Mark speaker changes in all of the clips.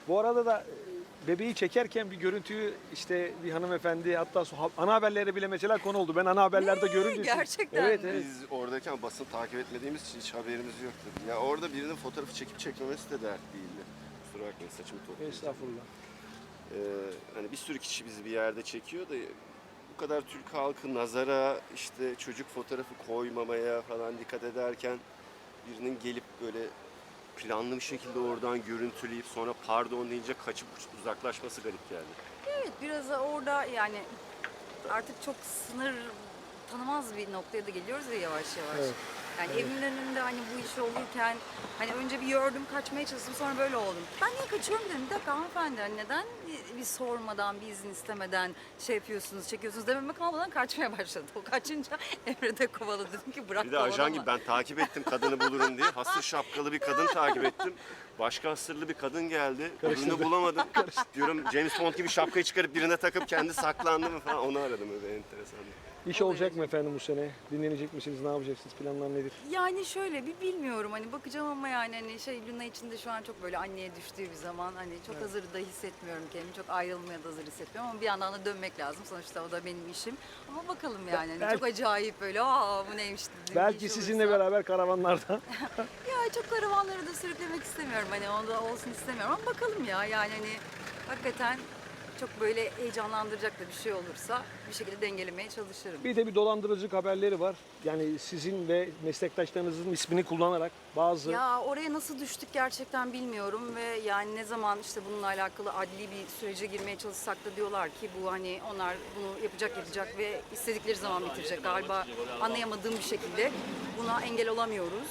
Speaker 1: Bu arada da bebeği çekerken bir görüntüyü işte bir hanımefendi hatta ana haberlere bile mesela konu oldu. Ben ana haberlerde görünce
Speaker 2: Gerçekten
Speaker 1: evet,
Speaker 2: mi?
Speaker 1: evet.
Speaker 3: Biz oradayken basın takip etmediğimiz için hiç haberimiz yoktu. Ya orada birinin fotoğrafı çekip çekmemesi de dert değildi. Kusura bakmayın, saçımı toplayacağım.
Speaker 1: Estağfurullah.
Speaker 3: Hani bir sürü kişi bizi bir yerde çekiyor da bu kadar Türk halkı nazara işte çocuk fotoğrafı koymamaya falan dikkat ederken birinin gelip böyle planlı bir şekilde oradan görüntüleyip sonra pardon deyince kaçıp uzaklaşması garip geldi.
Speaker 2: Evet, biraz da orada yani artık çok sınır tanımaz bir noktaya da geliyoruz ya yavaş yavaş.
Speaker 1: Evet.
Speaker 2: Yani evimin önünde hani bu iş olurken hani önce bir gördüm, kaçmaya çalıştım, sonra böyle oldum. Ben niye kaçıyorum dedim. Bir dakika hanımefendi, hani neden bir sormadan, bir izin istemeden şey yapıyorsunuz, çekiyorsunuz dememe kalmadan kaçmaya başladı. O kaçınca Emre de kovaladı, dedim ki bırak
Speaker 3: Bir de ajan
Speaker 2: kovalama.
Speaker 3: gibi ben takip ettim kadını bulurum diye. Hasır şapkalı bir kadın takip ettim. Başka hasırlı bir kadın geldi. Ürünü bulamadım. Diyorum James Bond gibi şapkayı çıkarıp birine takıp kendi saklandı mı falan. Onu aradım, öyle enteresan.
Speaker 1: İş olacak mı efendim bu sene? Dinlenecek misiniz? Ne yapacaksınız? Planlar nedir?
Speaker 2: Yani şöyle bir bilmiyorum hani bakacağım ama yani hani şey Luna içinde şu an çok böyle anneye düştüğü bir zaman hani çok hazır da hissetmiyorum kendimi. Çok ayrılmaya da hazır hissetmiyorum ama bir yandan da dönmek lazım. Sonuçta o da benim işim. Ama bakalım yani hani çok acayip böyle bu neymiş dediğim bir
Speaker 1: Belki
Speaker 2: iş
Speaker 1: sizinle
Speaker 2: olursa.
Speaker 1: beraber karavanlarda.
Speaker 2: Ya çok karavanları da sürüklemek istemiyorum hani onda olsun istemiyorum ama bakalım ya yani hani hakikaten çok böyle heyecanlandıracak da bir şey olursa bir şekilde dengelemeye çalışırım.
Speaker 1: Bir de bir dolandırıcılık haberleri var. Yani sizin ve meslektaşlarınızın ismini kullanarak bazı
Speaker 2: Ya oraya nasıl düştük gerçekten bilmiyorum ve yani ne zaman işte bununla alakalı adli bir sürece girmeye çalışsak da diyorlar ki bu hani onlar bunu yapacak ve istedikleri zaman bitirecek. Galiba anlayamadığım bir şekilde buna engel olamıyoruz.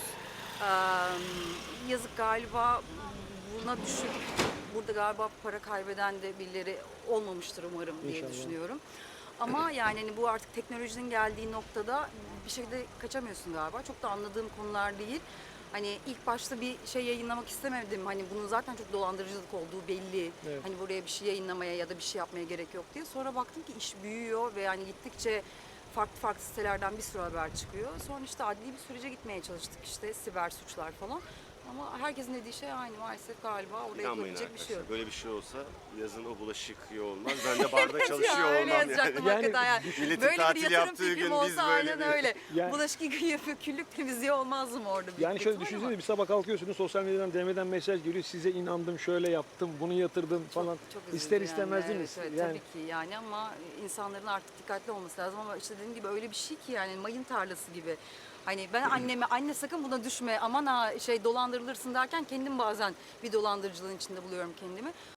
Speaker 2: Yazık galiba buna düşüp burada galiba para kaybeden de birileri olmamıştır umarım diye
Speaker 1: İnşallah.
Speaker 2: düşünüyorum. Ama yani hani bu artık teknolojinin geldiği noktada bir şekilde kaçamıyorsun galiba. Çok da anladığım konular değil. Hani ilk başta bir şey yayınlamak istemedim. Hani bunun zaten çok dolandırıcılık olduğu belli.
Speaker 1: Evet.
Speaker 2: Hani buraya bir şey yayınlamaya ya da bir şey yapmaya gerek yok diye. Sonra baktım ki iş büyüyor ve yani gittikçe farklı sitelerden bir sürü haber çıkıyor. Sonra işte adli bir sürece gitmeye çalıştık işte siber suçlar falan. Ama herkesin dediği şey aynı maalesef galiba oraya
Speaker 3: İnanmayın
Speaker 2: gelecek bir şey yok.
Speaker 3: arkadaşlar. Böyle bir şey olsa yazın o bulaşık yıkıyor olmaz. Ben de barda
Speaker 2: Ya,
Speaker 3: çalışıyor
Speaker 2: öyle
Speaker 3: olmam
Speaker 2: yazacaktım
Speaker 3: yani.
Speaker 2: hakikaten yani.
Speaker 3: Milletin
Speaker 2: Böyle bir
Speaker 3: tatil
Speaker 2: yatırım
Speaker 3: yaptığı
Speaker 2: fikrim
Speaker 3: gün
Speaker 2: olsa
Speaker 3: biz böyle
Speaker 2: aynen
Speaker 3: bir-
Speaker 2: öyle.
Speaker 1: Yani-
Speaker 2: Bulaşık yıkayıp küllük temizliği olmaz mı orada? büyük
Speaker 1: yani
Speaker 2: bir
Speaker 1: şöyle
Speaker 2: ihtimal
Speaker 1: düşünsene
Speaker 2: ama
Speaker 1: bir sabah kalkıyorsunuz sosyal medyadan DM'den mesaj geliyor. Size inandım, şöyle yaptım, bunu yatırdım falan.
Speaker 2: çok üzücü
Speaker 1: İster istemez
Speaker 2: yani.
Speaker 1: değil mi?
Speaker 2: Evet, evet,
Speaker 1: Yani
Speaker 2: tabii ki yani ama insanların artık dikkatli olması lazım ama işte dediğim gibi öyle bir şey ki yani mayın tarlası gibi. Hani ben anneme anne sakın buna düşme aman ha şey dolandırılırsın derken kendim bazen bir dolandırıcılığın içinde buluyorum kendimi.